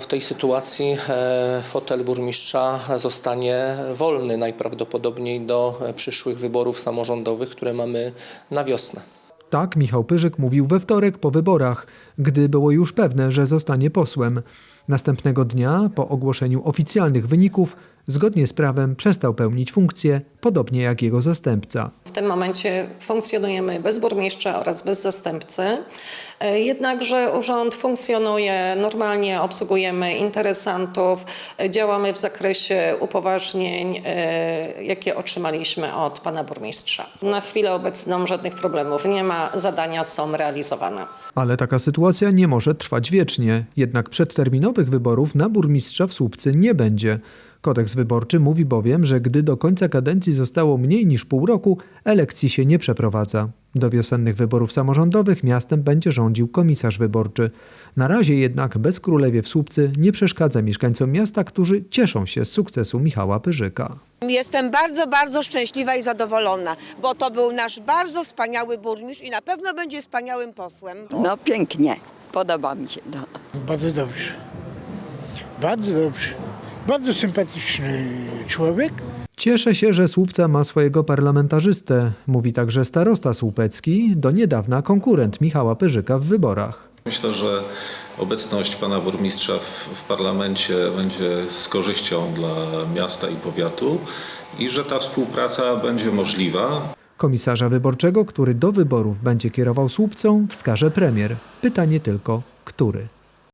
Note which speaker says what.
Speaker 1: tej sytuacji fotel burmistrza zostanie wolny najprawdopodobniej do przyszłych wyborów samorządowych, które mamy na wiosnę.
Speaker 2: Tak Michał Pyrzyk mówił we wtorek po wyborach, gdy było już pewne, że zostanie posłem. Następnego dnia, po ogłoszeniu oficjalnych wyników, zgodnie z prawem przestał pełnić funkcję, podobnie jak jego zastępca.
Speaker 3: W tym momencie funkcjonujemy bez burmistrza oraz bez zastępcy, jednakże urząd funkcjonuje normalnie, obsługujemy interesantów, działamy w zakresie upoważnień, jakie otrzymaliśmy od pana burmistrza. Na chwilę obecną żadnych problemów nie ma, zadania są realizowane.
Speaker 2: Ale taka sytuacja nie może trwać wiecznie, jednak przedterminowych wyborów na burmistrza w Słupcy nie będzie. Kodeks wyborczy mówi bowiem, że gdy do końca kadencji zostało mniej niż pół roku, elekcji się nie przeprowadza. Do wiosennych wyborów samorządowych miastem będzie rządził komisarz wyborczy. Na razie jednak bezkrólewie w Słupcy nie przeszkadza mieszkańcom miasta, którzy cieszą się z sukcesu Michała Pyrzyka.
Speaker 4: Jestem bardzo, bardzo szczęśliwa i zadowolona, bo to był nasz bardzo wspaniały burmistrz i na pewno będzie wspaniałym posłem.
Speaker 5: No pięknie, podoba mi się to.
Speaker 6: Bardzo dobrze. Bardzo dobrze. Bardzo sympatyczny człowiek.
Speaker 2: Cieszę się, że Słupca ma swojego parlamentarzystę, mówi także starosta słupecki, do niedawna konkurent Michała Pyrzyka w wyborach.
Speaker 7: Myślę, że obecność pana burmistrza w parlamencie będzie z korzyścią dla miasta i powiatu i że ta współpraca będzie możliwa.
Speaker 2: Komisarza wyborczego, który do wyborów będzie kierował Słupcą, wskaże premier. Pytanie tylko, który?